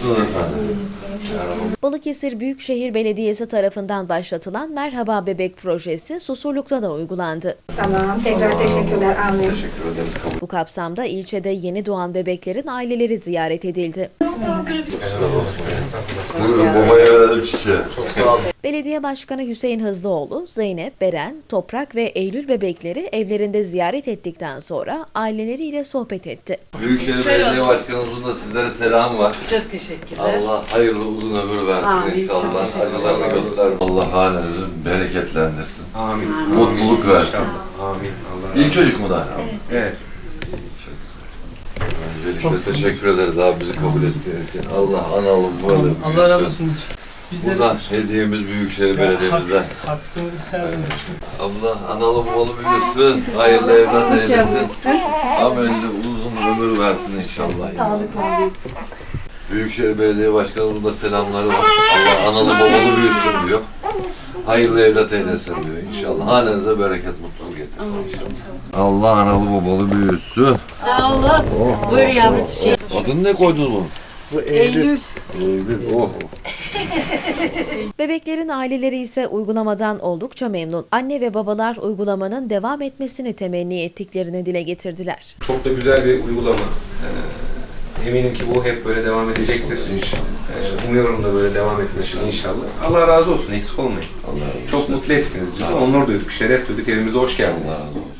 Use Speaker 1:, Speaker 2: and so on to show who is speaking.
Speaker 1: Nasılsınız efendim?
Speaker 2: Balıkesir Büyükşehir Belediyesi tarafından başlatılan Merhaba Bebek projesi Susurluk'ta da uygulandı.
Speaker 3: Tamam, tekrar teşekkürler. Amin.
Speaker 1: Teşekkür ederiz. Kabul.
Speaker 2: Bu kapsamda ilçede yeni doğan bebeklerin aileleri ziyaret edildi.
Speaker 1: Buyurun babaya verelim çiçeği. Çok sağ olun.
Speaker 2: Belediye Başkanı Hüseyin Hızlıoğlu, Zeynep, Beren, Toprak ve Eylül bebekleri evlerinde ziyaret ettikten sonra aileleriyle sohbet etti.
Speaker 1: Büyükşehir Belediye Başkanımızın da sizlere selam var.
Speaker 4: Çok teşekkürler.
Speaker 1: Allah hayırlı uzun ömür versin
Speaker 4: Amin, çok
Speaker 1: inşallah.
Speaker 4: teşekkür
Speaker 1: Acılarını
Speaker 4: ederiz.
Speaker 1: göster. Allah hanenizi bereketlendirsin.
Speaker 5: Amin.
Speaker 1: Mutluluk versin.
Speaker 5: Amin. Allah
Speaker 1: İlk çocuk mu da?
Speaker 5: Evet.
Speaker 1: Öncelikle teşekkür ederiz abi bizi kabul ettiğiniz için. Allah analım böyle.
Speaker 6: Allah razı olsun.
Speaker 1: Buradan hediyemiz Büyükşehir Belediye'mizden.
Speaker 6: Hakkınızı helal edin.
Speaker 1: Allah analım balı büyüsün, hayırlı evlat eylesin. Amelli uzun ömür versin inşallah.
Speaker 3: Sağlık olsun.
Speaker 1: Büyükşehir Belediye Başkanımızın da selamları var. Allah analı babalı büyüsün diyor. Hayırlı evlat eylesin diyor inşallah. Hanenize bereket, mutluluk getirsin inşallah. Allah analı babalı büyüsün.
Speaker 4: Sağ olun. Buyur yavru çiçeği.
Speaker 1: Adını ne koydunuz bunun?
Speaker 4: Eylül.
Speaker 1: Eylül. Oh.
Speaker 2: Bebeklerin aileleri ise uygulamadan oldukça memnun. Anne ve babalar uygulamanın devam etmesini temenni ettiklerini dile getirdiler.
Speaker 5: Çok da güzel bir uygulama. Eminim ki bu hep böyle devam edecektir.
Speaker 1: İnşallah.
Speaker 5: Umuyorum da böyle devam etmesini inşallah. Allah razı olsun, eksik olmayın.
Speaker 1: Allah razı olsun.
Speaker 5: Çok mutlu ettiniz bizi, onur duyduk, şeref duyduk, evimize hoş geldiniz.
Speaker 1: Allah razı olsun.